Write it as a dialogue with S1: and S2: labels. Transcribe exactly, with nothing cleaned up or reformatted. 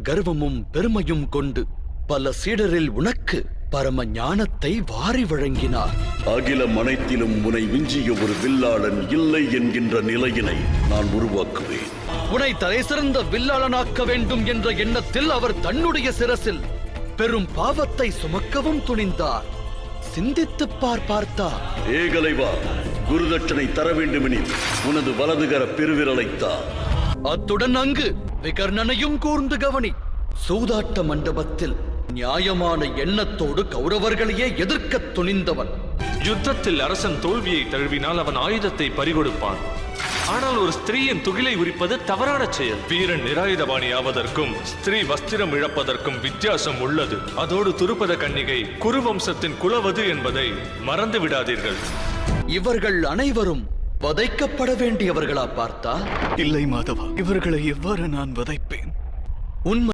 S1: கர்வமும் பெருமையும் கொண்டு பல சீடரில் உனக்கு பரம ஞானத்தை வாரி வழங்கினார்.
S2: அகிலம் அனைத்திலும் உனை விஞ்சிய ஒரு வில்லாளன் இல்லை என்கின்ற நிலையினை நான் உருவாக்குவேன்.
S1: உன்னை தலை சிறந்த வில்லாளனாக்க வேண்டும் என்ற எண்ணத்தில் அவர் தன்னுடைய சிரசில் பெரும் பாவத்தை சுமக்கவும் துணிந்தார். சிந்தித்துப் பார் பார்த்தா.
S2: ஏகலைவா, குருதட்சணை தர வேண்டுமெனில் உனது வலதுகர பெருவிரலைத்தா.
S1: அத்துடன் அங்கு விகர்ணனையும் கூர்ந்து கவனி. சூதாட்ட மண்டபத்தில் நியாயமான எண்ணத்தோடு கௌரவர்களையே எதிர்க்க துணிந்தவன்.
S3: யுத்தத்தில் அரசன் தோல்வியை தழுவினால் அவன் ஆயுதத்தை பறிகொடுப்பான். ஆனால் ஒரு ஸ்திரீயின் துகிலை உரிப்பது தவறான செயல். வீரன் நிராயுதபாணி ஆவதற்கும் ஸ்திரீ வஸ்திரம் இழப்பதற்கும் வித்தியாசம் உள்ளது. அதோடு துருபத கன்னிகை குருவம்சத்தின் குலவது என்பதை மறந்து விடாதீர்கள்.
S1: இவர்கள் அனைவரும் வதைக்கப்பட வேண்டியவர்களா பார்த்தா?
S4: இல்லை மாதவா, இவர்களை எவ்வாறு நான் வதைப்பேன்?
S1: உண்மை